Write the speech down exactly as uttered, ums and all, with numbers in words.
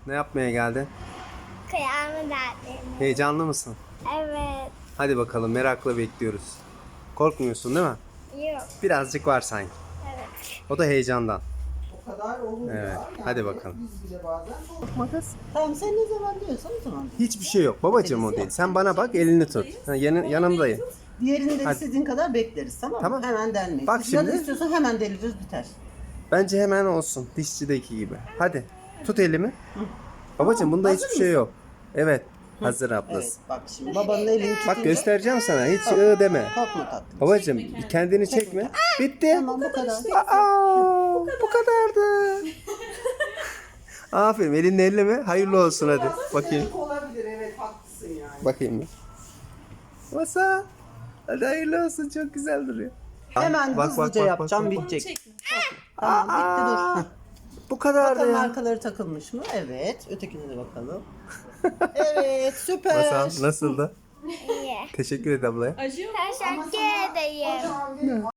Ne yapmaya geldin? Kıyamı derdim. Heyecanlı mısın? Evet. Hadi bakalım, merakla bekliyoruz. Korkmuyorsun değil mi? Yok. Birazcık var sanki. Evet. O da heyecandan. O kadar olur Evet, ya. Yani hadi bakalım. Biz bile bazen korktuk. Makas. Tamam sen ne zaman diyorsan o zaman. Hiçbir şey yok babacığım, o değil. Sen bana bak, elini tut. Ha, yanı, yanımdayım. Diğerini de Hadi. istediğin kadar bekleriz tamam mı? Tamam. Hemen delmeyiz. Bak Bak şimdi. şimdi. istiyorsan hemen deliriz biter. Bence hemen olsun. Dişçideki gibi. Hadi. Tut elimi. Babacığım bunda Hazır hiçbir şey yok. Evet. Hazır ablası. Evet bak şimdi babanın elini tutunca. Bak göstereceğim sana. Hiç ı deme. Korkma tatlım. Babacığım kendini çekme. Bitti. Tamam bu kadar. Aa, bu kadardı. Aferin. Elini elleme. Hayırlı olsun hadi. Bakayım. Olabilir evet haklısın yani. Bakayım bir. Masa. Hadi hayırlı olsun. Çok güzel duruyor. Hemen Bak, hızlıca bak, bak, yapacağım bak, bak. bitecek. Tamam bitti dur. Aa, Heh. bu kadardı. Bakalım arkaları takılmış mı? Evet. Ötekine de bakalım. Evet süper. Masal nasıldı? İyi. Teşekkür et ablaya. Teşekkür ederim.